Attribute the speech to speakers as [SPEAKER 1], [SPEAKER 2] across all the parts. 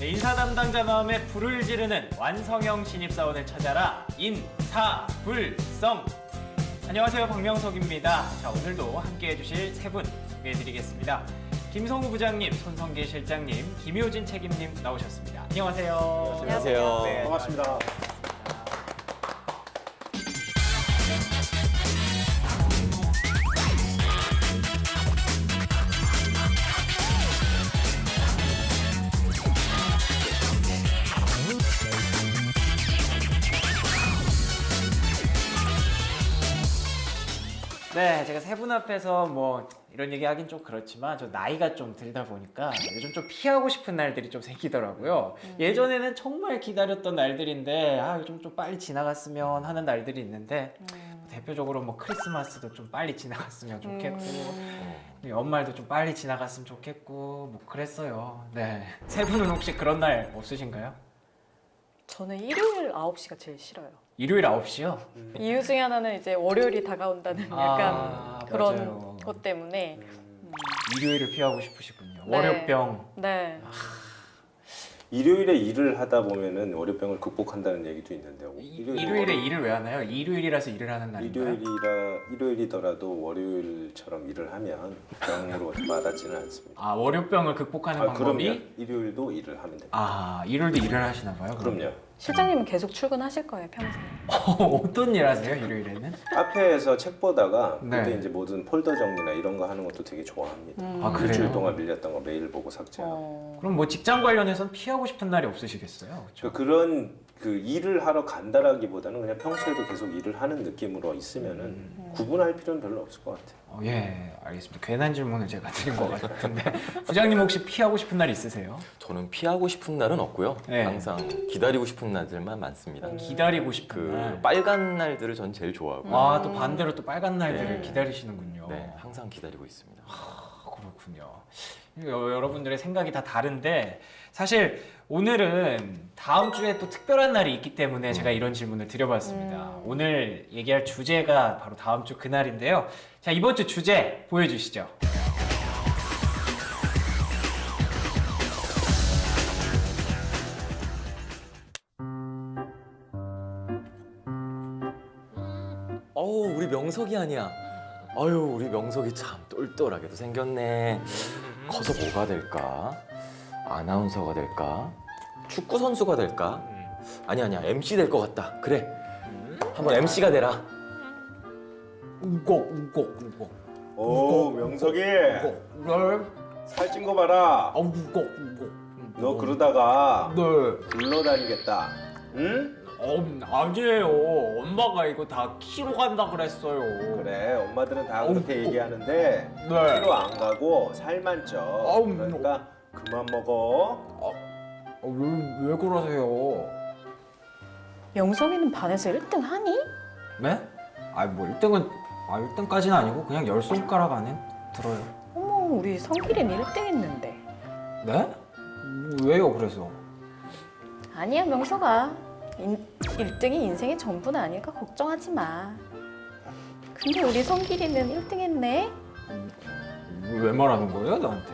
[SPEAKER 1] 네, 인사 담당자 마음에 불을 지르는 완성형 신입사원을 찾아라. 인사불성. 안녕하세요, 박명석입니다. 자, 오늘도 함께해 주실 세 분 소개해드리겠습니다. 김성우 부장님, 손성계 실장님, 김효진 책임님 나오셨습니다. 안녕하세요.
[SPEAKER 2] 안녕하세요.
[SPEAKER 1] 네,
[SPEAKER 3] 반갑습니다.
[SPEAKER 1] 네, 제가 세 분 앞에서 뭐 이런 얘기 하긴 좀 그렇지만 저 나이가 좀 들다 보니까 요즘 좀 피하고 싶은 날들이 좀 생기더라고요. 예전에는 정말 기다렸던 날들인데 요즘 좀 빨리 지나갔으면 하는 날들이 있는데 대표적으로 뭐 크리스마스도 좀 빨리 지나갔으면 좋겠고 연말도 좀 빨리 지나갔으면 좋겠고 뭐 그랬어요. 네, 세 분은 혹시 그런 날 없으신가요?
[SPEAKER 2] 저는 일요일 9시가 제일 싫어요.
[SPEAKER 1] 일요일 9시요?
[SPEAKER 2] 이유 중에 하나는 이제 월요일이 다가온다는 약간 그런
[SPEAKER 1] 맞아요.
[SPEAKER 2] 것 때문에.
[SPEAKER 1] 일요일을 피하고 싶으시군요.
[SPEAKER 2] 네.
[SPEAKER 1] 월요병.
[SPEAKER 2] 네.
[SPEAKER 3] 일요일에 일을 하다 보면은 월요병을 극복한다는 얘기도 있는데요.
[SPEAKER 1] 일요일에 일을 왜 하나요? 일요일이라서 일을 하는 날인가요?
[SPEAKER 3] 일요일이더라도 월요일처럼 일을 하면 병으로 맞아지는 않습니다.
[SPEAKER 1] 아, 월요병을 극복하는 방법이?
[SPEAKER 3] 그럼요. 일요일도 일을 하면 됩니다.
[SPEAKER 1] 아, 일요일도 일을 하시나 봐요?
[SPEAKER 3] 그럼요.
[SPEAKER 2] 실장님은 계속 출근하실 거예요, 평생.
[SPEAKER 1] 어떤 일 하세요, 일요일에는?
[SPEAKER 3] 카페에서 책 보다가
[SPEAKER 1] 네.
[SPEAKER 3] 그때 이제 모든 폴더 정리나 이런 거 하는 것도 되게 좋아합니다.
[SPEAKER 1] 아, 그래요?
[SPEAKER 3] 일주일 동안 밀렸던 거 매일 보고 삭제하고.
[SPEAKER 1] 그럼 뭐 직장 관련해서는 피하고 싶은 날이 없으시겠어요? 그렇죠?
[SPEAKER 3] 그런 일을 하러 간다라기보다는 그냥 평소에도 계속 일을 하는 느낌으로 있으면은 구분할 필요는 별로 없을 것 같아요.
[SPEAKER 1] 예, 알겠습니다. 괜한 질문을 제가 드린 것 같은데 부장님 혹시 피하고 싶은 날 있으세요?
[SPEAKER 4] 저는 피하고 싶은 날은 없고요.
[SPEAKER 1] 네.
[SPEAKER 4] 항상 기다리고 싶은 날들만 많습니다.
[SPEAKER 1] 기다리고 싶은
[SPEAKER 4] 그
[SPEAKER 1] 날.
[SPEAKER 4] 빨간 날들을 전 제일 좋아하고
[SPEAKER 1] 아, 또 반대로 또 빨간 날들을
[SPEAKER 4] 네.
[SPEAKER 1] 기다리시는군요.
[SPEAKER 4] 네, 항상 기다리고 있습니다.
[SPEAKER 1] 그렇군요. 여러분들의 생각이 다 다른데 사실 오늘은 다음 주에 또 특별한 날이 있기 때문에 제가 이런 질문을 드려봤습니다. 오늘 얘기할 주제가 바로 다음 주 그날인데요. 자, 이번 주 주제 보여주시죠.
[SPEAKER 4] 어우, 우리 명석이 아니야. 아유, 우리 명석이 참 똘똘하게도 생겼네. 커서 뭐가 될까? 아나운서가 될까? 축구 선수가 될까? 아니야, MC 될 것 같다. 그래, 한번 MC가 되라.
[SPEAKER 1] 우걱.
[SPEAKER 3] 오, 명석이
[SPEAKER 1] 네.
[SPEAKER 3] 살찐 거 봐라.
[SPEAKER 1] 우걱.
[SPEAKER 3] 너 그러다가
[SPEAKER 1] 네.
[SPEAKER 3] 굴러다니겠다. 응?
[SPEAKER 1] 아니에요. 엄마가 이거 다 키로 간다 그랬어요.
[SPEAKER 3] 그래, 엄마들은 다 그렇게 얘기하는데
[SPEAKER 1] 네.
[SPEAKER 3] 키로 안 가고 살만 쪄. 그러니까 그만 먹어.
[SPEAKER 1] 왜 그러세요?
[SPEAKER 2] 명석이는 반에서 1등 하니?
[SPEAKER 1] 네? 뭐 1등까지는 아니고 그냥 10손가락 안에 들어요.
[SPEAKER 2] 어머, 우리 성길이는 1등 했는데.
[SPEAKER 1] 네? 왜요, 그래서?
[SPEAKER 2] 아니야, 명석아. 1등이 인생의 전부는 아닐까 걱정하지 마. 근데 우리 성길이는 1등 했네?
[SPEAKER 1] 왜 말하는 거예요, 나한테?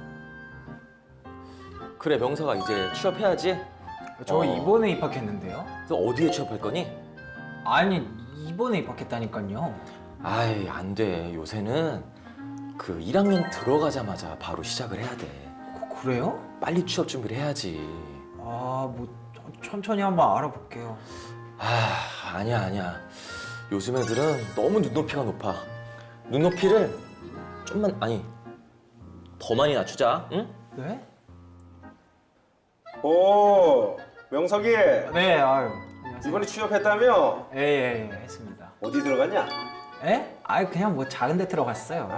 [SPEAKER 4] 그래, 명석아, 이제 취업해야지.
[SPEAKER 1] 저 이번에 입학했는데요?
[SPEAKER 4] 너 어디에 취업할 거니?
[SPEAKER 1] 아니, 이번에 입학했다니까요.
[SPEAKER 4] 아이, 안 돼. 요새는 그 1학년 들어가자마자 바로 시작을 해야 돼.
[SPEAKER 1] 그래요?
[SPEAKER 4] 빨리 취업 준비를 해야지.
[SPEAKER 1] 뭐 천천히 한번 알아볼게요.
[SPEAKER 4] 아니야. 요즘 애들은 너무 눈높이가 높아. 눈높이를 좀만, 더 많이 낮추자, 응?
[SPEAKER 1] 네?
[SPEAKER 3] 오, 명석이
[SPEAKER 1] 네, 안녕하세요.
[SPEAKER 3] 이번에 취업했다며?
[SPEAKER 1] 예, 했습니다.
[SPEAKER 3] 어디 들어갔냐?
[SPEAKER 1] 예? 그냥 뭐 작은 데 들어갔어요.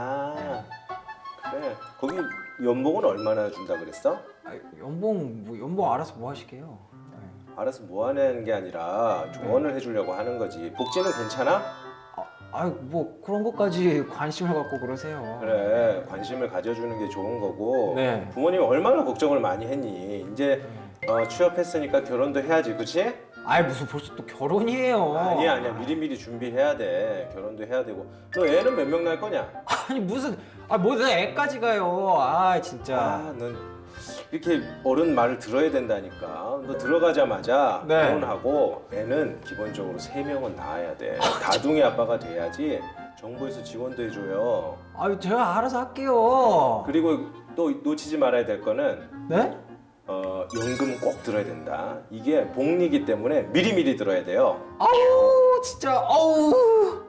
[SPEAKER 3] 그래. 거기 연봉은 얼마나 준다 그랬어?
[SPEAKER 1] 연봉 알아서 뭐 하시게요?
[SPEAKER 3] 알아서 뭐 하는 게 아니라 조언을 해주려고 하는 거지. 복지는 괜찮아?
[SPEAKER 1] 뭐 그런 것까지 관심을 갖고 그러세요.
[SPEAKER 3] 그래, 관심을 가져주는 게 좋은 거고.
[SPEAKER 1] 네.
[SPEAKER 3] 부모님이 얼마나 걱정을 많이 했니? 이제 취업했으니까 결혼도 해야지, 그치?
[SPEAKER 1] 무슨 벌써 또 결혼이에요.
[SPEAKER 3] 아니야. 미리미리 준비해야 돼. 결혼도 해야 되고. 너 애는 몇 명 낳을 거냐?
[SPEAKER 1] 무슨 뭐 내가 애까지 가요. 진짜.
[SPEAKER 3] 넌 이렇게 어른 말을 들어야 된다니까. 너 들어가자마자
[SPEAKER 1] 네.
[SPEAKER 3] 결혼하고 애는 기본적으로 3명은 낳아야 돼. 다둥이 아빠가 돼야지 정부에서 지원도 해줘요.
[SPEAKER 1] 아유 제가 알아서 할게요.
[SPEAKER 3] 그리고 또 놓치지 말아야 될 거는
[SPEAKER 1] 네?
[SPEAKER 3] 연금 꼭 들어야 된다. 이게 복리기 때문에 미리미리 들어야 돼요.
[SPEAKER 1] 아우 진짜 아우.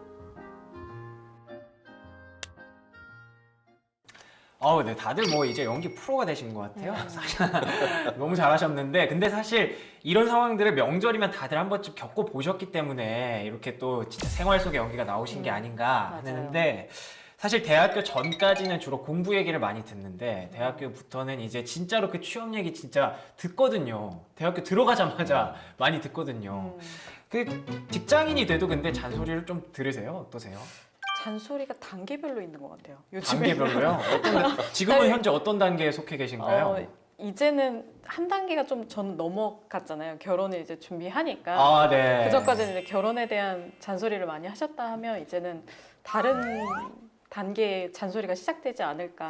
[SPEAKER 1] 네, 다들 뭐 이제 연기 프로가 되신 것 같아요. 사실 너무 잘하셨는데, 근데 사실 이런 상황들을 명절이면 다들 한 번쯤 겪어 보셨기 때문에 이렇게 또 진짜 생활 속의 연기가 나오신 게 아닌가
[SPEAKER 2] 맞아요.
[SPEAKER 1] 하는데, 사실 대학교 전까지는 주로 공부 얘기를 많이 듣는데 대학교부터는 이제 진짜로 그 취업 얘기 진짜 듣거든요. 대학교 들어가자마자 많이 듣거든요. 그 직장인이 돼도 근데 잔소리를 좀 들으세요? 어떠세요?
[SPEAKER 2] 잔소리가 단계별로 있는 것 같아요. 요즘에.
[SPEAKER 1] 단계별로요? 지금은 현재 어떤 단계에 속해 계신가요?
[SPEAKER 2] 이제는 한 단계가 좀 저는 넘어갔잖아요. 결혼을 이제 준비하니까.
[SPEAKER 1] 아, 네.
[SPEAKER 2] 그전까지는 이제 결혼에 대한 잔소리를 많이 하셨다 하면 이제는 다른 단계의 잔소리가 시작되지 않을까.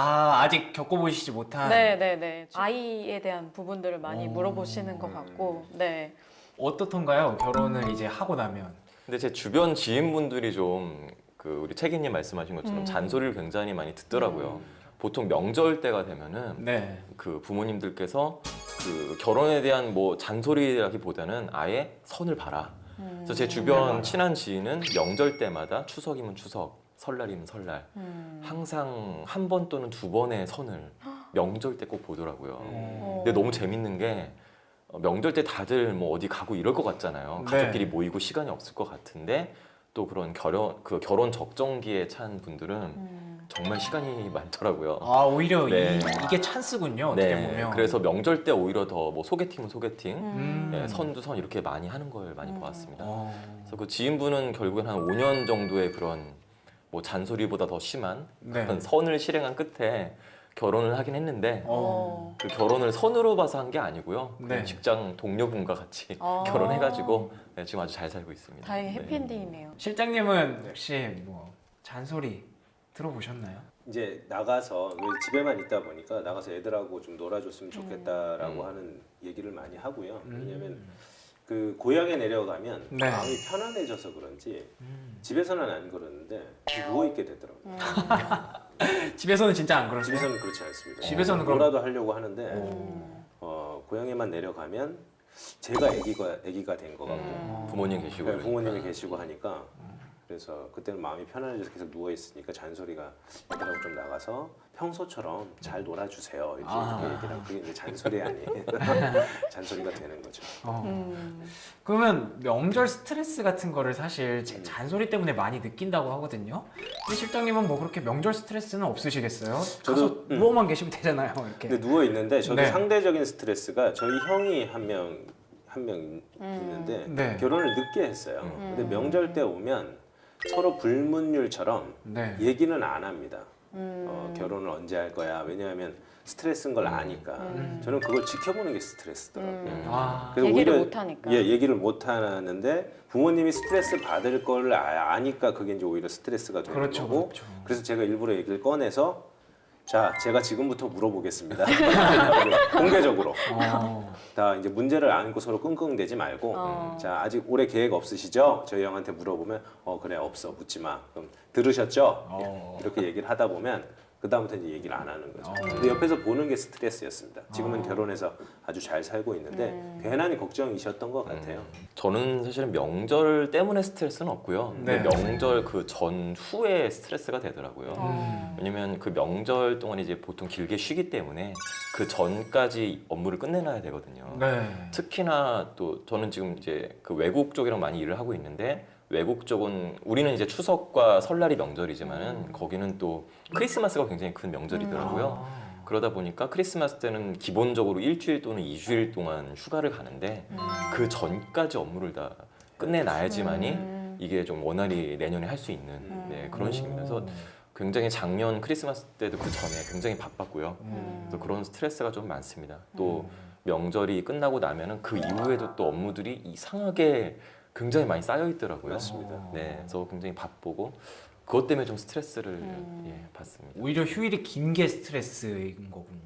[SPEAKER 1] 아직 겪어보시지 못한.
[SPEAKER 2] 네네네. 아이에 대한 부분들을 많이
[SPEAKER 1] 오.
[SPEAKER 2] 물어보시는 것 같고, 네.
[SPEAKER 1] 어떻던가요? 결혼을 이제 하고 나면.
[SPEAKER 4] 근데 제 주변 지인분들이 좀 그 우리 책임님 말씀하신 것처럼
[SPEAKER 2] 음.
[SPEAKER 4] 잔소리를 굉장히 많이 듣더라고요. 보통 명절 때가 되면은
[SPEAKER 1] 네.
[SPEAKER 4] 그 부모님들께서 그 결혼에 대한 뭐 잔소리라기보다는 아예 선을 봐라. 그래서 제 주변 친한 지인은 명절 때마다 추석이면 추석, 설날이면 설날 항상 한 번 또는 2번의 선을 명절 때 꼭 보더라고요. 근데 너무 재밌는 게 명절 때 다들 뭐 어디 가고 이럴 것 같잖아요.
[SPEAKER 1] 네.
[SPEAKER 4] 가족끼리 모이고 시간이 없을 것 같은데 또 그런 결혼 적정기에 찬 분들은 정말 시간이 많더라고요.
[SPEAKER 1] 오히려
[SPEAKER 4] 네.
[SPEAKER 1] 이게 찬스군요. 어떻게 보면.
[SPEAKER 4] 그래서 명절 때 오히려 더 뭐 소개팅은 소개팅,
[SPEAKER 1] 네.
[SPEAKER 4] 선도 선 이렇게 많이 하는 걸 많이 보았습니다.
[SPEAKER 1] 어.
[SPEAKER 4] 그래서 그 지인분은 결국엔 한 5년 정도의 그런 뭐 잔소리보다 더 심한
[SPEAKER 1] 네.
[SPEAKER 4] 그런 선을 실행한 끝에 결혼을 하긴 했는데
[SPEAKER 1] 어.
[SPEAKER 4] 그 결혼을 선으로 봐서 한 게 아니고요. 그냥
[SPEAKER 1] 네.
[SPEAKER 4] 직장 동료분과 같이
[SPEAKER 2] 아.
[SPEAKER 4] 결혼해가지고 지금 아주 잘 살고 있습니다.
[SPEAKER 2] 다행히
[SPEAKER 4] 네.
[SPEAKER 2] 해피엔딩이네요.
[SPEAKER 1] 실장님은 혹시 뭐 잔소리 들어보셨나요?
[SPEAKER 3] 이제 나가서 왜 집에만 있다 보니까 나가서 애들하고 좀 놀아줬으면 좋겠다라고 하는 얘기를 많이 하고요. 왜냐면 그 고향에 내려가면
[SPEAKER 1] 네.
[SPEAKER 3] 마음이 편안해져서 그런지 집에서는 안 그러는데 누워 있게 되더라고요.
[SPEAKER 1] 집에서는 진짜 안 그러세요?
[SPEAKER 3] 집에서는 그렇지 않습니다.
[SPEAKER 1] 집에서는 그럼-
[SPEAKER 3] 뭐라도 하려고 하는데 고향에만 내려가면 제가 아기가 된 것 같고
[SPEAKER 4] 부모님 계시고
[SPEAKER 3] 네,
[SPEAKER 4] 그러니까.
[SPEAKER 3] 부모님이 계시고 하니까 그래서 그때는 마음이 편안해져서 계속 누워 있으니까 잔소리가 애들하고 좀 나가서 평소처럼 잘 놀아주세요 이렇게 얘기를 하고 그게 이제 잔소리 아니에요. 잔소리가 되는 거죠.
[SPEAKER 1] 그러면 명절 스트레스 같은 거를 사실 잔소리 때문에 많이 느낀다고 하거든요. 근데 실장님은 뭐 그렇게 명절 스트레스는 없으시겠어요?
[SPEAKER 3] 저도,
[SPEAKER 1] 가서 누워만 계시면 되잖아요. 이렇게.
[SPEAKER 3] 근데 누워 있는데 저도
[SPEAKER 1] 네.
[SPEAKER 3] 상대적인 스트레스가 저희 형이 한 명 있는데
[SPEAKER 1] 네.
[SPEAKER 3] 결혼을 늦게 했어요. 근데 명절 때 오면 서로 불문율처럼
[SPEAKER 1] 네.
[SPEAKER 3] 얘기는 안 합니다. 결혼을 언제 할 거야? 왜냐하면 스트레스인 걸 아니까. 저는 그걸 지켜보는 게 스트레스더라고요. 그래서
[SPEAKER 2] 얘기를
[SPEAKER 3] 오히려-
[SPEAKER 2] 못하니까.
[SPEAKER 3] 예, 얘기를 못 하는데 부모님이 스트레스 받을 걸 아니까 그게 이제 오히려 스트레스가 되는
[SPEAKER 1] 그렇죠,
[SPEAKER 3] 거고.
[SPEAKER 1] 그렇죠.
[SPEAKER 3] 그래서 제가 일부러 얘기를 꺼내서 자, 제가 지금부터 물어보겠습니다. 공개적으로. 다 이제 문제를 안고 서로 끙끙대지 말고 자, 아직 올해 계획 없으시죠? 저희 형한테 물어보면 그래 없어 묻지 마. 그럼 들으셨죠? 이렇게 얘기를 하다 보면 그 다음부터 이제 얘기를 안 하는 거죠. 근데 옆에서 보는 게 스트레스였습니다. 지금은 결혼해서 아주 잘 살고 있는데 괜한 걱정이셨던 것 같아요.
[SPEAKER 4] 저는 사실은 명절 때문에 스트레스는 없고요. 근데
[SPEAKER 1] 네.
[SPEAKER 4] 명절 그 전후에 스트레스가 되더라고요. 왜냐면 그 명절 동안 이제 보통 길게 쉬기 때문에 그 전까지 업무를 끝내놔야 되거든요.
[SPEAKER 1] 네.
[SPEAKER 4] 특히나 또 저는 지금 이제 그 외국 쪽이랑 많이 일을 하고 있는데 외국 쪽은 우리는 이제 추석과 설날이 명절이지만은 거기는 또 크리스마스가 굉장히 큰 명절이더라고요. 그러다 보니까 크리스마스 때는 기본적으로 일주일 또는 2주일 동안 휴가를 가는데 그 전까지 업무를 다 끝내놔야지만이 이게 좀 원활히 내년에 할 수 있는 그런 식입니다. 그래서 굉장히 작년 크리스마스 때도 그 전에 굉장히 바빴고요. 그래서 그런 스트레스가 좀 많습니다. 또 명절이 끝나고 나면은 그 이후에도 또 업무들이 이상하게 굉장히 많이 쌓여 있더라고요.
[SPEAKER 3] 맞습니다.
[SPEAKER 4] 네, 그래서 굉장히 바쁘고 그것 때문에 좀 스트레스를 받습니다.
[SPEAKER 1] 오히려 휴일이 긴 게 스트레스인 거군요.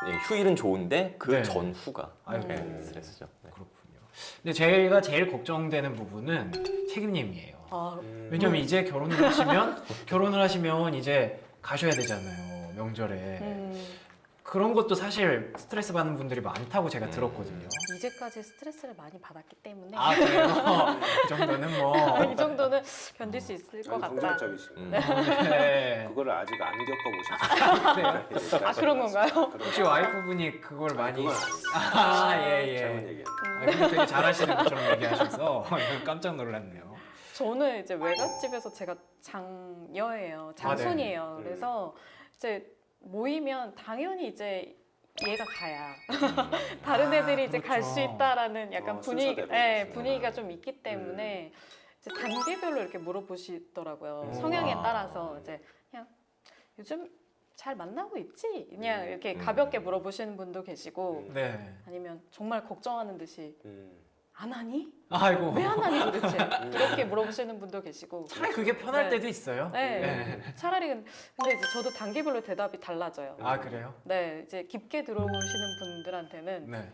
[SPEAKER 4] 예, 휴일은 좋은데 그
[SPEAKER 1] 네.
[SPEAKER 4] 전후가
[SPEAKER 1] 아이고.
[SPEAKER 4] 스트레스죠. 네.
[SPEAKER 1] 그렇군요. 근데 제가 제일 걱정되는 부분은 책임님이에요.
[SPEAKER 2] 아,
[SPEAKER 1] 왜냐면 이제 결혼을 하시면 이제 가셔야 되잖아요. 명절에. 그런 것도 사실 스트레스 받는 분들이 많다고 제가 들었거든요.
[SPEAKER 2] 이제까지 스트레스를 많이 받았기 때문에
[SPEAKER 1] 아 그래요? 그 정도는 뭐.
[SPEAKER 2] 이 정도는 견딜 수 있을 것
[SPEAKER 3] 아니,
[SPEAKER 2] 같다.
[SPEAKER 3] 긍정적이시고
[SPEAKER 1] 네.
[SPEAKER 3] 그거를 아직 안 겪어보셔서
[SPEAKER 2] 아, 그런 건가요?
[SPEAKER 1] 혹시 와이프분이 그걸 많이.
[SPEAKER 3] 그건 아니에요.
[SPEAKER 1] 아 예.
[SPEAKER 3] 잘못
[SPEAKER 1] 예.
[SPEAKER 3] 얘기했네.
[SPEAKER 1] 아, 근데 되게 잘하시는 것처럼 얘기하셔서 이거 깜짝 놀랐네요.
[SPEAKER 2] 저는 이제 외갓집에서 제가 장녀예요. 장손이에요.
[SPEAKER 3] 네.
[SPEAKER 2] 그래서 이제 모이면 당연히 이제 얘가 가야 다른 애들이 이제 갈 수
[SPEAKER 1] 그렇죠.
[SPEAKER 2] 있다라는 약간 분위기,
[SPEAKER 3] 순서대로
[SPEAKER 2] 예,
[SPEAKER 3] 그렇죠.
[SPEAKER 2] 분위기가 좀 있기 때문에 이제 단계별로 이렇게 물어보시더라고요. 성향에 따라서 이제 그냥 요즘 잘 만나고 있지? 그냥 이렇게 가볍게 물어보시는 분도 계시고
[SPEAKER 1] 네.
[SPEAKER 2] 아니면 정말 걱정하는 듯이 안 하니?
[SPEAKER 1] 아이고.
[SPEAKER 2] 왜 안 하니 도대체? 이렇게 물어보시는 분도 계시고
[SPEAKER 1] 차라리 그게 편할
[SPEAKER 2] 네.
[SPEAKER 1] 때도 있어요.
[SPEAKER 2] 네. 차라리 근데 이제 저도 단계별로 대답이 달라져요.
[SPEAKER 1] 아 그래요?
[SPEAKER 2] 네, 이제 깊게 들어오시는 분들한테는
[SPEAKER 1] 네.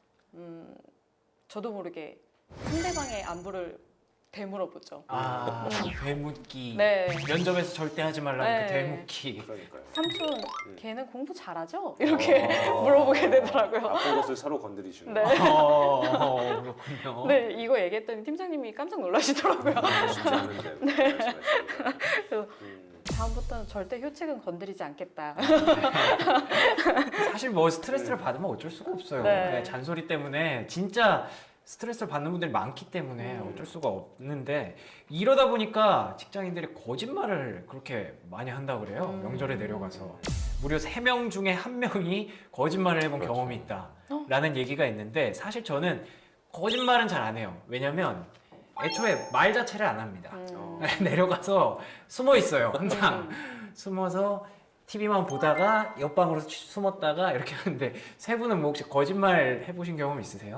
[SPEAKER 2] 저도 모르게 상대방의 안부를 되물어보죠.
[SPEAKER 1] 아 되묻기.
[SPEAKER 2] 네.
[SPEAKER 1] 면접에서 절대 하지 말라는
[SPEAKER 2] 네.
[SPEAKER 1] 그 되묻기.
[SPEAKER 3] 그러니까요.
[SPEAKER 2] 삼촌, 걔는 공부 잘하죠? 이렇게 물어보게 되더라고요.
[SPEAKER 3] 아픈 것을 서로 건드리시는
[SPEAKER 2] 네.
[SPEAKER 1] 그렇군요.
[SPEAKER 2] 네, 이거 얘기했더니 팀장님이 깜짝 놀라시더라고요.
[SPEAKER 3] 쉽지 않은데. 말씀하시니까.
[SPEAKER 2] 다음부터는 절대 효책은 건드리지 않겠다.
[SPEAKER 1] 사실 뭐 스트레스를 받으면 어쩔 수가 없어요.
[SPEAKER 2] 네.
[SPEAKER 1] 네, 잔소리 때문에 진짜 스트레스를 받는 분들이 많기 때문에 어쩔 수가 없는데 이러다 보니까 직장인들이 거짓말을 그렇게 많이 한다고 그래요. 명절에 내려가서 무려 3명 중에 1명이 거짓말을 해본
[SPEAKER 3] 그렇죠.
[SPEAKER 1] 경험이 있다라는 얘기가 있는데 사실 저는 거짓말은 잘 안 해요. 왜냐면 애초에 말 자체를 안 합니다. 내려가서 숨어 있어요. 항상 숨어서 TV만 보다가 옆방으로 숨었다가 이렇게 하는데 세 분은 뭐 혹시 거짓말 해보신 경험 있으세요?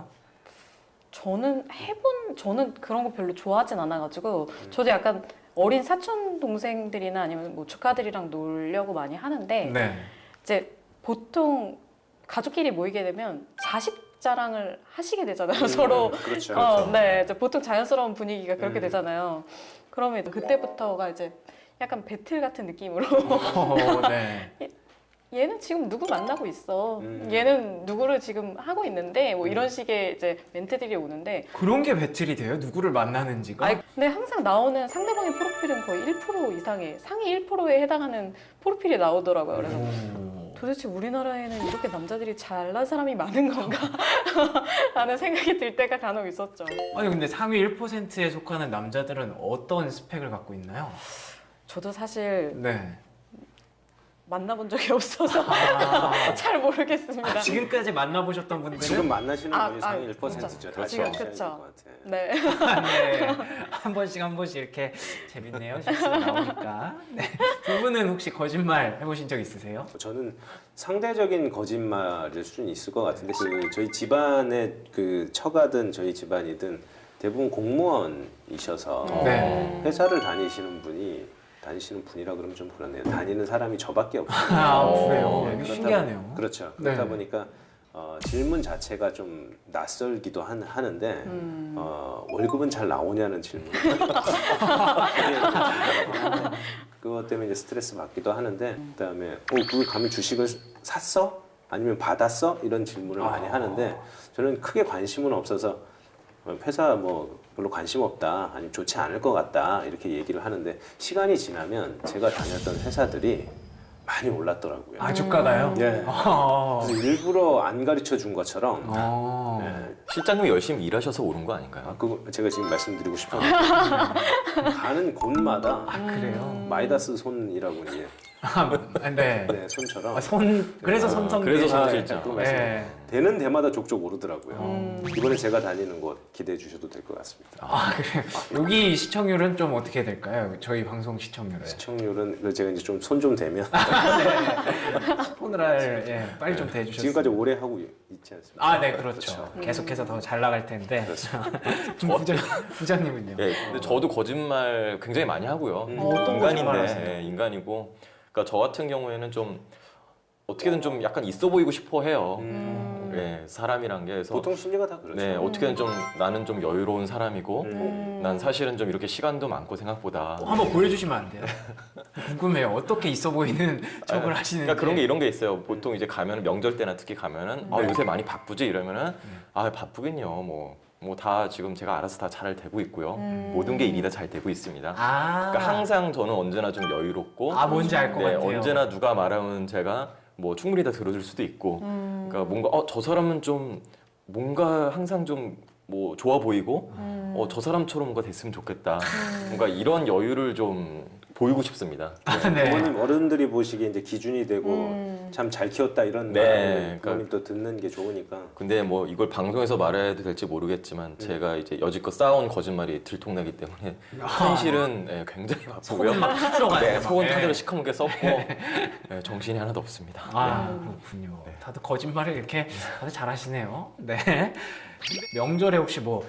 [SPEAKER 2] 저는 그런 거 별로 좋아하진 않아가지고 저도 약간 어린 사촌 동생들이나 아니면 뭐 조카들이랑 놀려고 많이 하는데
[SPEAKER 1] 네.
[SPEAKER 2] 이제 보통 가족끼리 모이게 되면 자식 자랑을 하시게 되잖아요. 서로.
[SPEAKER 3] 그렇죠.
[SPEAKER 2] 네, 이제 보통 자연스러운 분위기가 그렇게 되잖아요. 그러면 이제 그때부터가 이제 약간 배틀 같은 느낌으로
[SPEAKER 1] 네.
[SPEAKER 2] 얘는 지금 누구 만나고 있어. 얘는 누구를 지금 하고 있는데 뭐 이런 식의 이제 멘트들이 오는데
[SPEAKER 1] 그런 게 배틀이 돼요? 누구를 만나는지가?
[SPEAKER 2] 아니, 근데 항상 나오는 상대방의 프로필은 거의 1% 이상의 상위 1%에 해당하는 프로필이 나오더라고요. 그래서 도대체 우리나라에는 이렇게 남자들이 잘난 사람이 많은 건가? 라는 생각이 들 때가 간혹 있었죠.
[SPEAKER 1] 아니 근데 상위 1%에 속하는 남자들은 어떤 스펙을 갖고 있나요?
[SPEAKER 2] 저도 사실
[SPEAKER 1] 네.
[SPEAKER 2] 만나본 적이 없어서 잘 모르겠습니다.
[SPEAKER 1] 지금까지 만나보셨던 분들은
[SPEAKER 3] 지금 만나시는
[SPEAKER 2] 아,
[SPEAKER 3] 분이 상위
[SPEAKER 2] 아,
[SPEAKER 3] 1%죠. 다시
[SPEAKER 2] 지금
[SPEAKER 3] 하셔야
[SPEAKER 2] 그쵸.
[SPEAKER 3] 될것 같아.
[SPEAKER 2] 네.
[SPEAKER 1] 네. 한 번씩 이렇게 재밌네요. 실수가 나오니까. 네. 두 분은 혹시 거짓말 해보신 적 있으세요?
[SPEAKER 3] 저는 상대적인 거짓말일 수는 있을 것 같은데 그 저희 집안의 그 처가든 저희 집안이든 대부분 공무원이셔서
[SPEAKER 1] 네.
[SPEAKER 3] 회사를 다니시는 분이라 그러면 좀 그렇네요. 다니는 사람이 저밖에 없어요.
[SPEAKER 1] 아 그래요?
[SPEAKER 3] 네,
[SPEAKER 1] 이거
[SPEAKER 3] 그렇다
[SPEAKER 1] 신기하네요.
[SPEAKER 3] 그렇죠. 그렇다
[SPEAKER 1] 네.
[SPEAKER 3] 보니까 질문 자체가 좀 낯설기도 하는데 월급은 잘 나오냐는 질문. 그것 때문에 이제 스트레스 받기도 하는데 그다음에 그 가면 주식을 샀어? 아니면 받았어? 이런 질문을 많이 하는데 저는 크게 관심은 없어서 회사 뭐 별로 관심 없다, 아니면 좋지 않을 것 같다 이렇게 얘기를 하는데 시간이 지나면 제가 다녔던 회사들이 많이 올랐더라고요.
[SPEAKER 1] 아 주가가요?
[SPEAKER 3] 네. 그래서 일부러 안 가르쳐 준 것처럼 네.
[SPEAKER 4] 실장님이 열심히 일하셔서 오른 거 아닌가요?
[SPEAKER 3] 그거 제가 지금 말씀드리고 싶었는데 가는 곳마다
[SPEAKER 1] 그래요?
[SPEAKER 3] 마이다스 손이라고 이제
[SPEAKER 1] 네.
[SPEAKER 3] 네, 손처럼
[SPEAKER 1] 그래서 손성.
[SPEAKER 4] 그래서
[SPEAKER 3] 아,
[SPEAKER 4] 손실장.
[SPEAKER 3] 그
[SPEAKER 1] 네.
[SPEAKER 3] 되는 데마다 족족 오르더라고요. 이번에 제가 다니는 곳 기대해 주셔도 될 것 같습니다.
[SPEAKER 1] 아 그래요? 여기 시청률은 좀 어떻게 될까요? 저희 방송 시청률은.
[SPEAKER 3] 시청률은 제가 이제 좀 손 좀 대면
[SPEAKER 1] 오늘 빨리 좀 대주셨어요.
[SPEAKER 3] 지금까지 오래 하고 있지 않습니까?
[SPEAKER 1] 아, 네, 그렇죠. 계속해서 더 잘 나갈 텐데. 부장님은요?
[SPEAKER 4] 예, 근데 저도 거짓말 굉장히 많이 하고요.
[SPEAKER 1] 어떤 거짓말 하세요?
[SPEAKER 4] 인간인데, 인간이고. 그러니까 저 같은 경우에는 좀 어떻게든 좀 약간 있어 보이고 싶어 해요.
[SPEAKER 3] 음.
[SPEAKER 4] 예, 사람이란 게 그래서
[SPEAKER 3] 보통 심리가 다 그렇죠.
[SPEAKER 4] 네, 어떻게든 좀 나는 좀 여유로운 사람이고
[SPEAKER 3] 음.
[SPEAKER 4] 난 사실은 좀 이렇게 시간도 많고 생각보다
[SPEAKER 1] 한번 보여주시면 안 돼요? 궁금해요. 어떻게 있어 보이는 척을 하시는지.
[SPEAKER 4] 그러니까 그런 게 이런 게 있어요. 보통 이제 가면 명절 때나 특히 가면은 아, 요새 많이 바쁘지 이러면은 아 바쁘긴요. 뭐 다 지금 제가 알아서 다 잘 되고 있고요. 모든 게 일이 다 잘 되고 있습니다.
[SPEAKER 1] 아,
[SPEAKER 4] 그러니까 항상 저는 언제나 좀 여유롭고
[SPEAKER 1] 뭔지 알 것
[SPEAKER 4] 네,
[SPEAKER 1] 같아요.
[SPEAKER 4] 언제나 누가 말하면 제가 뭐 충분히 다 들어줄 수도 있고 그러니까 뭔가 저 사람은 좀 뭔가 항상 좀 뭐 좋아 보이고 저 사람처럼 뭔가 됐으면 좋겠다. 뭔가 이런 여유를 좀 보이고 싶습니다.
[SPEAKER 1] 네.
[SPEAKER 3] 부모님 어른들이 보시기에 이제 기준이 되고 참 잘 키웠다 이런
[SPEAKER 4] 네,
[SPEAKER 3] 말을
[SPEAKER 4] 그러니까-
[SPEAKER 3] 부모님 또 듣는 게 좋으니까.
[SPEAKER 4] 근데 뭐 이걸 방송에서 말해도 될지 모르겠지만 제가 이제 여지껏 쌓아온 거짓말이 들통나기 때문에 현실은 네, 굉장히 바쁘고요.
[SPEAKER 1] 속은 막 타들어가요.
[SPEAKER 4] 네, 속은
[SPEAKER 1] 막.
[SPEAKER 4] 타들어
[SPEAKER 1] 네.
[SPEAKER 4] 시커멓게 썼고 네, 정신이 하나도 없습니다.
[SPEAKER 1] 그렇군요. 다들 거짓말을 이렇게 다들 잘하시네요. 네. 명절에 혹시 뭐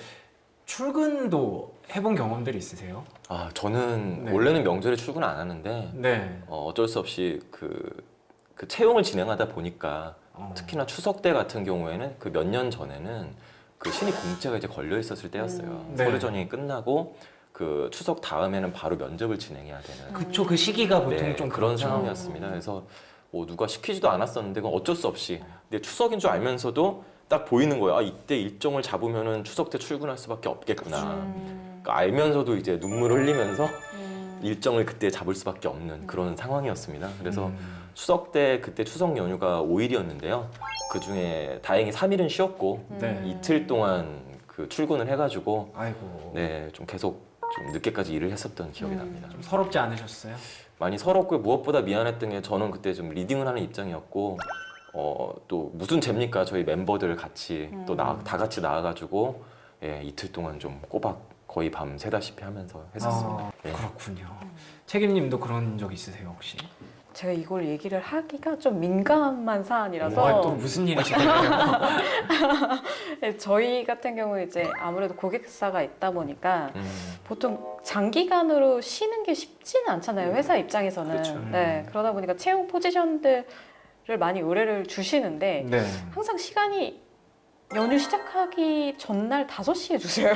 [SPEAKER 1] 출근도 해본 경험들이 있으세요?
[SPEAKER 4] 아, 저는
[SPEAKER 1] 네.
[SPEAKER 4] 원래는 명절에 출근 안 하는데
[SPEAKER 1] 네.
[SPEAKER 4] 어쩔 수 없이 그 채용을 진행하다 보니까 특히나 추석 때 같은 경우에는 그 몇 년 전에는 그 신입 공채가 이제 걸려 있었을 때였어요.
[SPEAKER 1] 네.
[SPEAKER 4] 서류 전형이 끝나고 그 추석 다음에는 바로 면접을 진행해야 되는
[SPEAKER 1] 그쵸, 그 시기가 보통
[SPEAKER 4] 네,
[SPEAKER 1] 좀
[SPEAKER 4] 그런
[SPEAKER 1] 그렇죠.
[SPEAKER 4] 상황이었습니다. 그래서 뭐 누가 시키지도 않았었는데 그건 어쩔 수 없이 근데 추석인 줄 알면서도 딱 보이는 거예요. 아, 이때 일정을 잡으면은 추석 때 출근할 수밖에 없겠구나. 그러니까 알면서도 이제 눈물 흘리면서 일정을 그때 잡을 수밖에 없는 그런 상황이었습니다. 그래서 추석 때 그때 추석 연휴가 5일이었는데요. 그 중에 다행히 3일은 쉬었고
[SPEAKER 1] 네.
[SPEAKER 4] 이틀 동안 그 출근을 해가지고
[SPEAKER 1] 아이고.
[SPEAKER 4] 네, 좀 계속 좀 늦게까지 일을 했었던 기억이 납니다.
[SPEAKER 1] 좀 서럽지 않으셨어요?
[SPEAKER 4] 많이 서럽고 무엇보다 미안했던 게 저는 그때 좀 리딩을 하는 입장이었고 또 무슨 죄입니까? 저희 멤버들 같이 또 다 같이 나와가지고 예, 이틀 동안 좀 꼬박 거의 밤 새다시피 하면서 했었습니다. 예.
[SPEAKER 1] 그렇군요. 책임님도 그런 적 있으세요 혹시?
[SPEAKER 2] 제가 이걸 얘기를 하기가 좀 민감한 사안이라서
[SPEAKER 1] 와, 또 무슨 일이시나요?
[SPEAKER 2] 네, 저희 같은 경우에 이제 아무래도 고객사가 있다 보니까 보통 장기간으로 쉬는 게 쉽지는 않잖아요. 회사 입장에서는.
[SPEAKER 3] 그렇죠.
[SPEAKER 2] 네, 그러다 보니까 채용 포지션들을 많이 의뢰를 주시는데
[SPEAKER 1] 네.
[SPEAKER 2] 항상 시간이 연휴 시작하기 전날 5시에 주세요.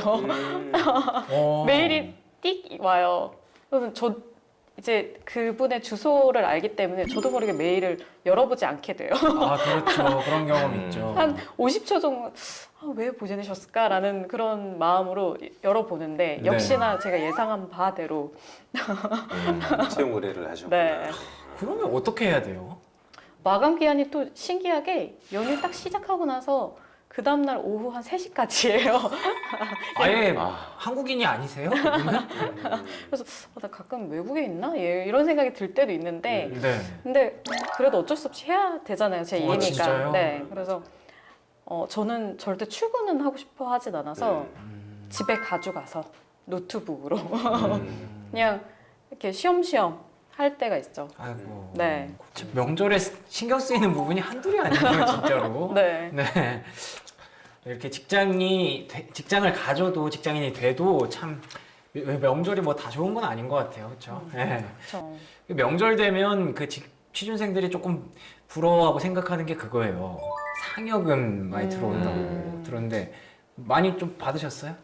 [SPEAKER 2] 메일이 띡 와요. 그러면 저 이제 그분의 주소를 알기 때문에 저도 모르게 메일을 열어보지 않게 돼요.
[SPEAKER 1] 그렇죠. 그런 경험 있죠.
[SPEAKER 2] 한 50초 정도 왜 보내셨을까라는 그런 마음으로 열어보는데
[SPEAKER 1] 네.
[SPEAKER 2] 역시나 제가 예상한 바대로
[SPEAKER 3] 채용 의뢰를 하셨구나.
[SPEAKER 2] 네.
[SPEAKER 1] 그러면 어떻게 해야 돼요?
[SPEAKER 2] 마감 기한이 또 신기하게 연휴 딱 시작하고 나서 그 다음날 오후 한 3시까지예요.
[SPEAKER 1] 아예
[SPEAKER 4] 아.
[SPEAKER 1] 한국인이 아니세요? 그분은?
[SPEAKER 2] 그래서 나 가끔 외국에 있나? 이런 생각이 들 때도 있는데
[SPEAKER 1] 네.
[SPEAKER 2] 근데 그래도 어쩔 수 없이 해야 되잖아요. 제 일이니까.
[SPEAKER 1] 진짜요?
[SPEAKER 2] 네. 그래서 저는 절대 출근은 하고 싶어 하진 않아서 집에 가져가서 노트북으로 그냥 이렇게 쉬엄쉬엄 할 때가 있죠.
[SPEAKER 1] 아이고.
[SPEAKER 2] 네.
[SPEAKER 1] 명절에 신경 쓰이는 부분이 한둘이 아니에요, 진짜로.
[SPEAKER 2] 네.
[SPEAKER 1] 네. 이렇게 직장을 가져도 직장인이 돼도 참 명절이 뭐 다 좋은 건 아닌 것 같아요, 그렇죠? 네.
[SPEAKER 2] 그렇죠.
[SPEAKER 1] 명절 되면 그 취준생들이 조금 부러워하고 생각하는 게 그거예요. 상여금 많이 들어온다고 들었는데 많이 좀 받으셨어요?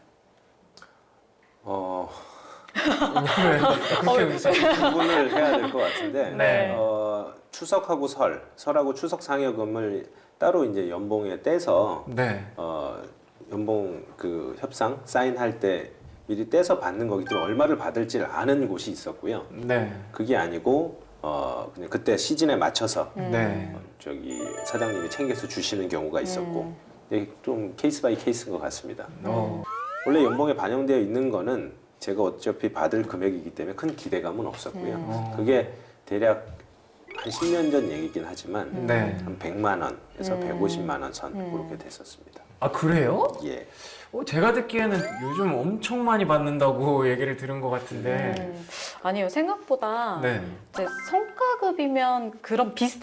[SPEAKER 1] 그렇게
[SPEAKER 3] 구분을 해야 될 것 같은데
[SPEAKER 1] 네.
[SPEAKER 3] 추석하고 설하고 추석 상여금을 따로 이제 연봉에 떼서
[SPEAKER 1] 네.
[SPEAKER 3] 연봉 그 협상 사인할 때 미리 떼서 받는 거기 때문에 얼마를 받을지를 아는 곳이 있었고요.
[SPEAKER 1] 네.
[SPEAKER 3] 그게 아니고 그냥 그때 시즌에 맞춰서
[SPEAKER 1] 네.
[SPEAKER 3] 저기 사장님이 챙겨서 주시는 경우가 있었고 근데 좀 케이스 바이 케이스인 것 같습니다. 원래 연봉에 반영되어 있는 거는 제가 어차피 받을 금액이기 때문에 큰 기대감은 없었고요. 그게 대략 한 10년 전 얘기긴 하지만
[SPEAKER 1] 네.
[SPEAKER 3] 한 100만 원에서 150만 원 선 그렇게 됐었습니다.
[SPEAKER 1] 아, 그래요?
[SPEAKER 3] 예.
[SPEAKER 1] 제가 듣기에는 요즘 엄청 많이 받는다고 얘기를 들은 것 같은데.
[SPEAKER 2] 아니요. 생각보다
[SPEAKER 1] 네.
[SPEAKER 2] 이제 성과급이면 그런 비슷한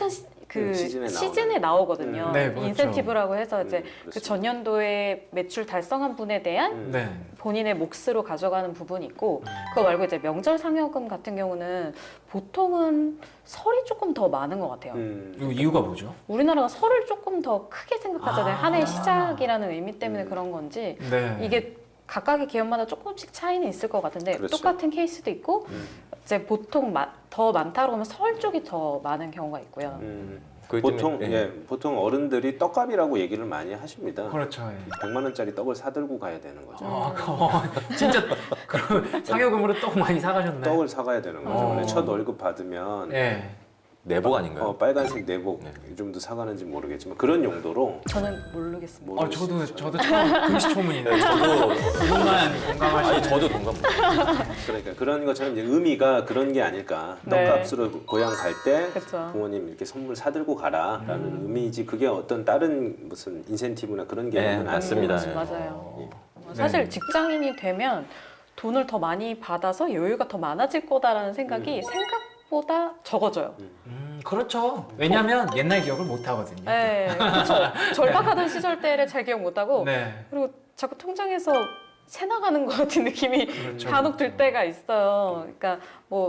[SPEAKER 2] 그
[SPEAKER 3] 시즌에
[SPEAKER 2] 시즌에 나오거든요.
[SPEAKER 1] 네, 그렇죠.
[SPEAKER 2] 인센티브라고 해서 이제 그
[SPEAKER 3] 그렇습니다.
[SPEAKER 2] 전년도에 매출 달성한 분에 대한
[SPEAKER 1] 네.
[SPEAKER 2] 본인의 몫으로 가져가는 부분이 있고 그거 말고 이제 명절 상여금 같은 경우는 보통은 설이 조금 더 많은 것 같아요.
[SPEAKER 1] 이거 이유가 뭐죠?
[SPEAKER 2] 우리나라가 설을 조금 더 크게 생각하잖아요.
[SPEAKER 1] 아.
[SPEAKER 2] 한 해의 시작이라는 의미 때문에 그런 건지
[SPEAKER 1] 네.
[SPEAKER 2] 이게 각각의 기업마다 조금씩 차이는 있을 것 같은데
[SPEAKER 3] 그렇죠.
[SPEAKER 2] 똑같은 케이스도 있고
[SPEAKER 3] 음.
[SPEAKER 2] 이제 보통 더 많다고 하면 설 쪽이 더 많은 경우가 있고요.
[SPEAKER 4] 그렇기
[SPEAKER 3] 보통
[SPEAKER 4] 때문에,
[SPEAKER 3] 예, 보통 어른들이 떡값이라고 얘기를 많이 하십니다.
[SPEAKER 1] 그렇죠. 예.
[SPEAKER 3] 100만 원짜리 떡을 사들고 가야 되는 거죠.
[SPEAKER 1] 진짜 그럼 상여금으로 떡 많이 사가셨나요?
[SPEAKER 3] 떡을 사가야 되는 거죠.
[SPEAKER 1] 어.
[SPEAKER 3] 원래 첫 월급 받으면
[SPEAKER 1] 네.
[SPEAKER 4] 내복 아닌가요?
[SPEAKER 3] 빨간색 내복
[SPEAKER 4] 네.
[SPEAKER 3] 요즘도 사가는지 모르겠지만 그런 용도로
[SPEAKER 2] 저는 모르겠습니다.
[SPEAKER 3] 뭐-
[SPEAKER 1] 저도 처음 금시초문이네요.
[SPEAKER 4] 저도
[SPEAKER 1] 그분만 건강하시네.
[SPEAKER 4] 아니 저도 동감.
[SPEAKER 3] 그러니까 그런 것처럼 이제 의미가 그런 게 아닐까.
[SPEAKER 2] 네.
[SPEAKER 3] 떡값으로 고향 갈 때
[SPEAKER 2] 그렇죠.
[SPEAKER 3] 부모님 이렇게 선물 사들고 가라라는 의미지 그게 어떤 다른 무슨 인센티브나 그런 게
[SPEAKER 4] 네, 맞습니다. 네.
[SPEAKER 2] 맞아요.
[SPEAKER 1] 네.
[SPEAKER 2] 사실 직장인이 되면 돈을 더 많이 받아서 여유가 더 많아질 거다라는 생각이 생각보다 적어져요.
[SPEAKER 1] 그렇죠. 왜냐하면 옛날 기억을 못 하거든요.
[SPEAKER 2] 네, 그렇죠. 절박하던 시절 때를 잘 기억 못 하고
[SPEAKER 1] 네.
[SPEAKER 2] 그리고 자꾸 통장에서 새 나가는 것 같은 느낌이
[SPEAKER 1] 그렇죠.
[SPEAKER 2] 간혹 들 때가 있어요. 그러니까 뭐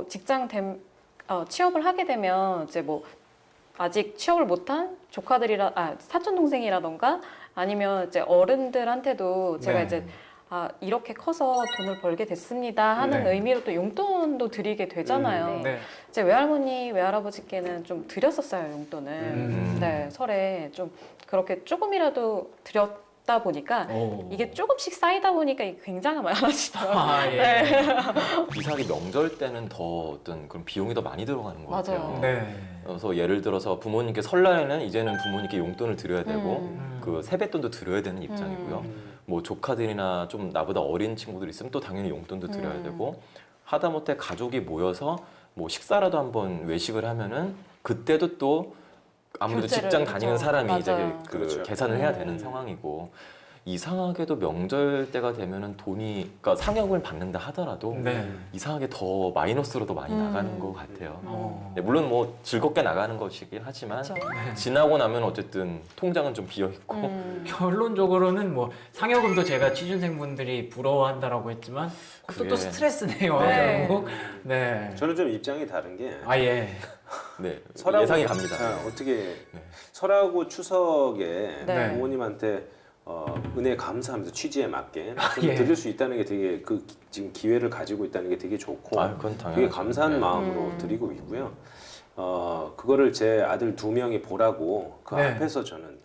[SPEAKER 2] 취업을 하게 되면 이제 뭐 아직 취업을 못한 사촌 동생이라던가 아니면 이제 어른들한테도 제가
[SPEAKER 1] 네.
[SPEAKER 2] 이제 이렇게 커서 돈을 벌게 됐습니다 하는
[SPEAKER 1] 네.
[SPEAKER 2] 의미로 또 용돈도 드리게 되잖아요.
[SPEAKER 1] 네.
[SPEAKER 2] 제 외할머니, 외할아버지께는 좀 드렸었어요, 용돈을. 네, 설에 좀 그렇게 조금이라도 드렸다 보니까
[SPEAKER 1] 오.
[SPEAKER 2] 이게 조금씩 쌓이다 보니까 이게 굉장히 많아지더라고요.
[SPEAKER 1] 아, 예.
[SPEAKER 2] 네.
[SPEAKER 4] 이상하게 명절 때는 더 어떤 그런 비용이 더 많이 들어가는 것
[SPEAKER 2] 맞아요.
[SPEAKER 4] 같아요.
[SPEAKER 1] 네.
[SPEAKER 4] 그래서 예를 들어서 부모님께 설날에는 이제는 부모님께 용돈을 드려야 되고 그 세뱃돈도 드려야 되는 입장이고요. 뭐 조카들이나 좀 나보다 어린 친구들 있으면 또 당연히 용돈도 드려야 되고 하다못해 가족이 모여서 뭐 식사라도 한번 외식을 하면은 그때도 또 아무래도
[SPEAKER 2] 결제를,
[SPEAKER 4] 직장 다니는
[SPEAKER 2] 그렇죠.
[SPEAKER 4] 사람이 이제
[SPEAKER 2] 맞아요.
[SPEAKER 4] 그
[SPEAKER 3] 그렇죠.
[SPEAKER 4] 계산을 해야 되는 상황이고 이상하게도 명절 때가 되면은 돈이 그러니까 상여금을 받는다 하더라도
[SPEAKER 1] 네.
[SPEAKER 4] 이상하게 더 마이너스로 더 많이 나가는 것 같아요.
[SPEAKER 1] 어.
[SPEAKER 4] 네, 물론 뭐 즐겁게 나가는 것이긴 하지만
[SPEAKER 2] 그렇죠.
[SPEAKER 4] 지나고 나면 어쨌든 통장은 좀 비어 있고
[SPEAKER 1] 결론적으로는 뭐 상여금도 제가 취준생분들이 부러워한다라고 했지만 그것도 또
[SPEAKER 4] 그게-
[SPEAKER 1] 스트레스네요.
[SPEAKER 2] 네.
[SPEAKER 1] 결국. 네.
[SPEAKER 3] 저는 좀 입장이 다른 게
[SPEAKER 1] 아 예.
[SPEAKER 4] 네,
[SPEAKER 3] 설하고-
[SPEAKER 4] 예상이 갑니다.
[SPEAKER 3] 어떻게 설하고 추석에
[SPEAKER 2] 네.
[SPEAKER 3] 부모님한테 은혜 감사하면서 취지에 맞게 좀
[SPEAKER 1] 예.
[SPEAKER 3] 드릴 수 있다는 게 되게 지금 기회를 가지고 있다는 게 되게 좋고
[SPEAKER 4] 아, 그건 당연하죠.
[SPEAKER 3] 되게 감사한
[SPEAKER 4] 네.
[SPEAKER 3] 마음으로 드리고 있고요. 그거를 제 아들 2명이 보라고 그
[SPEAKER 1] 네.
[SPEAKER 3] 앞에서 저는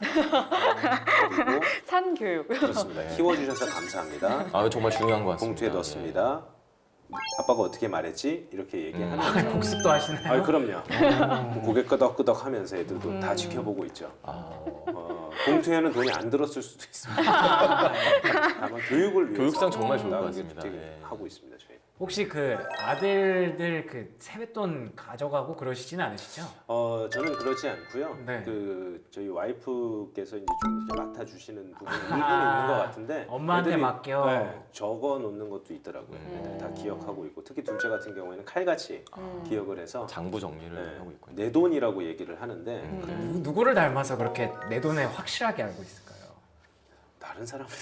[SPEAKER 3] 그리고
[SPEAKER 2] 산교육.
[SPEAKER 3] 그렇습니다.
[SPEAKER 4] 네.
[SPEAKER 3] 키워주셔서 감사합니다.
[SPEAKER 4] 아, 정말 중요한 것 같습니다.
[SPEAKER 3] 봉투에 넣었습니다. 아빠가 어떻게 말했지? 이렇게 얘기하는
[SPEAKER 1] 아,
[SPEAKER 3] 거죠.
[SPEAKER 1] 복습도 하시나요?
[SPEAKER 3] 아, 그럼요. 고개 끄덕끄덕 하면서 애들도 다 지켜보고 있죠.
[SPEAKER 4] 아,
[SPEAKER 3] 봉투에는 돈이 안 들었을 수도 있습니다. 다만 교육을 위해서
[SPEAKER 4] 교육상 정말 좋을 것
[SPEAKER 3] 그게
[SPEAKER 4] 같습니다.
[SPEAKER 3] 되게
[SPEAKER 4] 예.
[SPEAKER 3] 하고 있습니다. 저희.
[SPEAKER 1] 혹시 그 아들들 그 세뱃돈 가져가고 그러시진 않으시죠?
[SPEAKER 3] 저는 그렇지 않고요.
[SPEAKER 1] 네.
[SPEAKER 3] 저희 와이프께서 이제 좀 이렇게 맡아주시는 부분이 일부는
[SPEAKER 1] 아,
[SPEAKER 3] 있는 것 같은데
[SPEAKER 1] 엄마한테
[SPEAKER 3] 애들이,
[SPEAKER 1] 맡겨.
[SPEAKER 3] 네, 적어 놓는 것도 있더라고요. 애들이 다 기억하고 있고 특히 둘째 같은 경우에는 칼같이 기억을 해서
[SPEAKER 4] 장부 정리를
[SPEAKER 3] 네,
[SPEAKER 4] 하고 있군요.
[SPEAKER 3] 내 돈이라고 얘기를 하는데
[SPEAKER 1] 누구를 닮아서 그렇게 내 돈에 확실하게 알고 있을까요?
[SPEAKER 3] 다른 사람을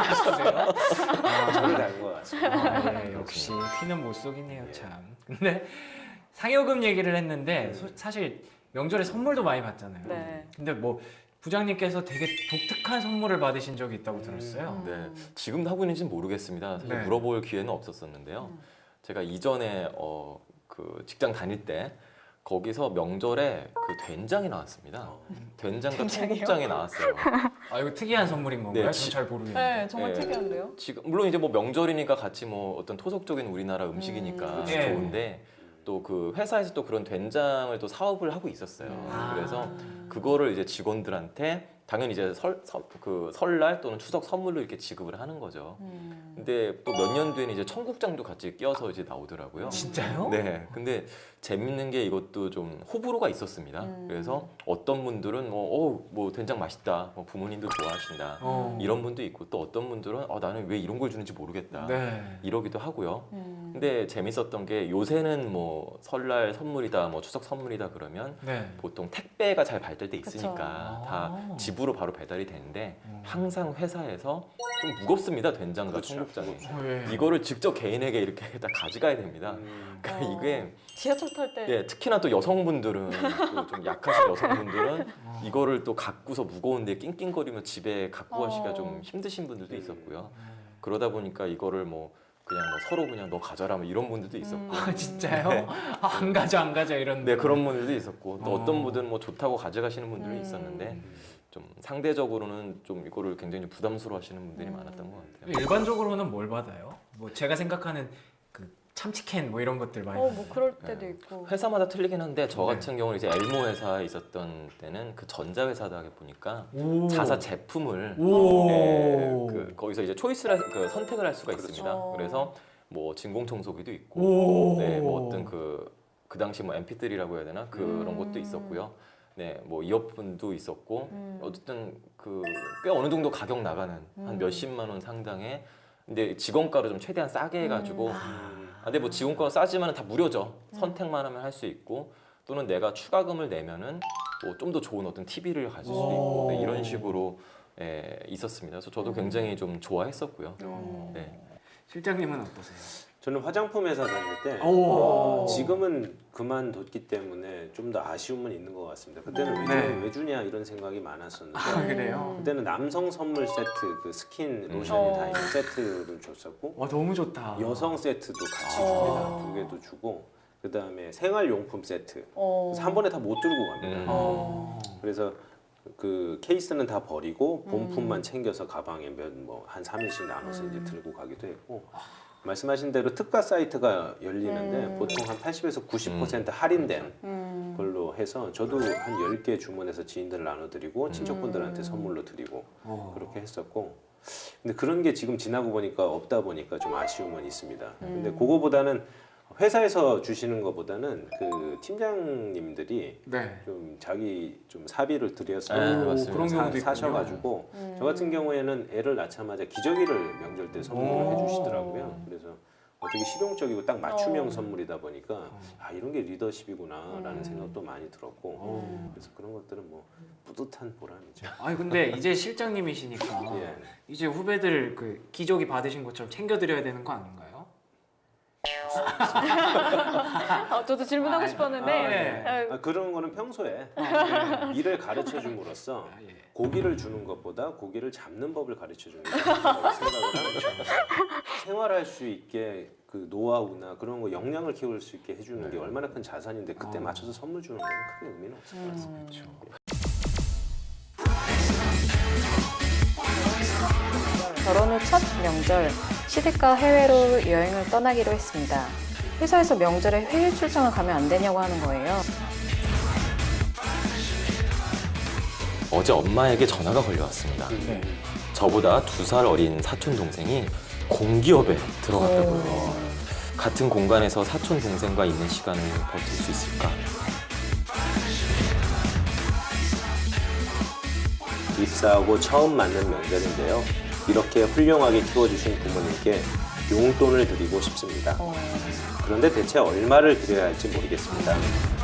[SPEAKER 3] 저를 닮은 것 같습니다.
[SPEAKER 1] 아, 예, 역시 피는 못 속이네요 참. 근데 상여금 얘기를 했는데 사실 명절에 선물도 많이 받잖아요.
[SPEAKER 2] 네.
[SPEAKER 1] 근데 뭐 부장님께서 되게 독특한 선물을 받으신 적이 있다고 들었어요.
[SPEAKER 4] 네, 지금도 하고 있는지는 모르겠습니다. 사실
[SPEAKER 1] 네.
[SPEAKER 4] 물어볼 기회는 없었었는데요. 제가 이전에 그 직장 다닐 때 거기서 명절에 그 된장이 나왔습니다. 된장과
[SPEAKER 2] 된장이요?
[SPEAKER 4] 청국장이 나왔어요.
[SPEAKER 1] 아 이거 특이한 선물인 건가요?
[SPEAKER 4] 네,
[SPEAKER 1] 전 잘 모르겠는데.
[SPEAKER 2] 네, 정말
[SPEAKER 4] 예.
[SPEAKER 2] 특이한데요.
[SPEAKER 4] 지금 물론 이제 뭐 명절이니까 같이 뭐 어떤 토속적인 우리나라 음식이니까
[SPEAKER 1] 예.
[SPEAKER 4] 좋은데 또 그 회사에서 또 그런 된장을 또 사업을 하고 있었어요.
[SPEAKER 1] 아.
[SPEAKER 4] 그래서 그거를 이제 직원들한테 당연히 이제 설날 또는 추석 선물로 이렇게 지급을 하는 거죠. 근데 또 몇 년 뒤에는 이제 청국장도 같이 껴서 이제 나오더라고요.
[SPEAKER 1] 진짜요?
[SPEAKER 4] 네. 근데 재밌는 게 이것도 좀 호불호가 있었습니다. 그래서 어떤 분들은 뭐 된장 맛있다, 뭐 부모님도 좋아하신다 이런 분도 있고 또 어떤 분들은 나는 왜 이런 걸 주는지 모르겠다
[SPEAKER 1] 네.
[SPEAKER 4] 이러기도 하고요. 근데 재밌었던 게 요새는 뭐 설날 선물이다, 뭐 추석 선물이다 그러면
[SPEAKER 1] 네.
[SPEAKER 4] 보통 택배가 잘 발달돼 있으니까
[SPEAKER 1] 그쵸.
[SPEAKER 4] 다 집으로 바로 배달이 되는데 항상 회사에서 좀 무겁습니다. 된장과
[SPEAKER 3] 그렇죠.
[SPEAKER 4] 청국장이.
[SPEAKER 1] 왜?
[SPEAKER 4] 이거를 직접 개인에게 이렇게 다 가져가야 됩니다. 그러니까 이게
[SPEAKER 2] 지하철 탈 때.
[SPEAKER 4] 예, 특히나 또 여성분들은 또 좀 약하신 여성분들은 이거를 또 갖고서 무거운데 낑낑거리며 집에 갖고 가시기가 좀 힘드신 분들도 있었고요. 그러다 보니까 이거를 뭐 그냥 뭐 서로 그냥 너 가져라 뭐 이런 분들도 있었고.
[SPEAKER 1] 아, 진짜요?
[SPEAKER 4] 네.
[SPEAKER 1] 안 가져 이런.
[SPEAKER 4] 네, 그런 분들도 있었고 또
[SPEAKER 1] 어.
[SPEAKER 4] 어떤 분들은 뭐 좋다고 가져가시는 분들도 있었는데 좀 상대적으로는 좀 이거를 굉장히 부담스러워하시는 분들이 많았던 것 같아요.
[SPEAKER 1] 일반적으로는 뭘 받아요? 뭐 제가 생각하는 그 참치캔 뭐 이런 것들 많이.
[SPEAKER 2] 뭐 그럴 때도 있고.
[SPEAKER 4] 회사마다 틀리긴 한데 저
[SPEAKER 1] 네.
[SPEAKER 4] 같은 경우는 이제 엘모 회사에 있었던 때는 그 전자회사다 보니까
[SPEAKER 1] 오.
[SPEAKER 4] 자사 제품을
[SPEAKER 1] 오.
[SPEAKER 4] 거기서 이제 초이스를 선택을 할 수가
[SPEAKER 3] 그렇죠.
[SPEAKER 4] 있습니다. 그래서 뭐 진공청소기도 있고,
[SPEAKER 1] 오.
[SPEAKER 4] 네, 뭐 어떤 그 당시 뭐 MP3라고 해야 되나 그런 것도 있었고요. 네, 뭐 이어폰도 있었고 어쨌든 그 꽤 어느 정도 가격 나가는 한 몇십만 원 상당의 근데 직원가로 좀 최대한 싸게 해가지고 근데 뭐 직원가가 싸지만 다 무료죠. 선택만 하면 할 수 있고 또는 내가 추가금을 내면은 뭐 좀 더 좋은 어떤 TV를 가질 수도 있고 네, 이런 식으로 있었습니다. 그래서 저도 굉장히 좀 좋아했었고요. 네.
[SPEAKER 1] 실장님은 어떠세요?
[SPEAKER 3] 저는 화장품 회사 다닐 때
[SPEAKER 1] 오.
[SPEAKER 3] 지금은 그만뒀기 때문에 좀 더 아쉬움은 있는 것 같습니다. 그때는
[SPEAKER 1] 네.
[SPEAKER 3] 왜 주냐 이런 생각이 많았었는데
[SPEAKER 1] 아, 그래요?
[SPEAKER 3] 그때는 남성 선물 세트, 그 스킨 로션이 다 있는 세트를 줬었고
[SPEAKER 1] 와 너무 좋다.
[SPEAKER 3] 여성 세트도 같이 줍니다. 2개도 주고 그 다음에 생활용품 세트 그래서 한 번에 다 못 들고 갑니다. 그래서 그 케이스는 다 버리고 본품만 챙겨서 가방에 한 3일씩 나눠서 이제 들고 가기도 했고 말씀하신 대로 특가 사이트가 열리는데 보통 한 80에서 90% 할인된 걸로 해서 저도 한 10개 주문해서 지인들 나눠드리고 친척분들한테 선물로 드리고 그렇게 했었고 근데 그런 게 지금 지나고 보니까 없다 보니까 좀 아쉬움은 있습니다. 근데 그거보다는 회사에서 주시는 것보다는 그 팀장님들이
[SPEAKER 1] 네.
[SPEAKER 3] 좀 자기 좀 사비를 들여서
[SPEAKER 4] 네, 맞습니다.
[SPEAKER 1] 그런 경우도 있군요.
[SPEAKER 3] 사셔가지고 저 같은 경우에는 애를 낳자마자 기저귀를 명절 때 선물을 해주시더라고요. 그래서 되게 실용적이고 딱 맞춤형 선물이다 보니까 아 이런 게 리더십이구나라는 생각도 많이 들었고 그래서 그런 것들은 뭐 뿌듯한 보람이죠.
[SPEAKER 1] 아니 근데 이제 실장님이시니까
[SPEAKER 3] 예.
[SPEAKER 1] 이제 후배들 그 기저귀 받으신 것처럼 챙겨드려야 되는 거 아닌가요?
[SPEAKER 2] 저도 질문하고 싶었는데.
[SPEAKER 1] 네.
[SPEAKER 3] 그런 거는 평소에 일을 가르쳐 줌으로써
[SPEAKER 1] 아, 예.
[SPEAKER 3] 고기를 주는 것보다 고기를 잡는 법을 가르쳐 주는 게 생각을 합니다. 생활할 수 있게 그 노하우나 그런 거 역량을 키울 수 있게 해주는 게 얼마나 큰 자산인데 그때 맞춰서 선물 주는 건 크게 의미는 없을 것 같습니다.
[SPEAKER 2] 결혼 후 첫 명절, 시댁과 해외로 여행을 떠나기로 했습니다. 회사에서 명절에 해외 출장을 가면 안 되냐고 하는 거예요.
[SPEAKER 4] 어제 엄마에게 전화가 걸려왔습니다.
[SPEAKER 1] 네.
[SPEAKER 4] 저보다 2살 어린 사촌 동생이 공기업에 들어갔다고요. 같은 공간에서 사촌 동생과 있는 시간을 버틸 수 있을까?
[SPEAKER 3] 입사하고 처음 맞는 명절인데요. 이렇게 훌륭하게 키워주신 부모님께 용돈을 드리고 싶습니다. 그런데 대체 얼마를 드려야 할지 모르겠습니다.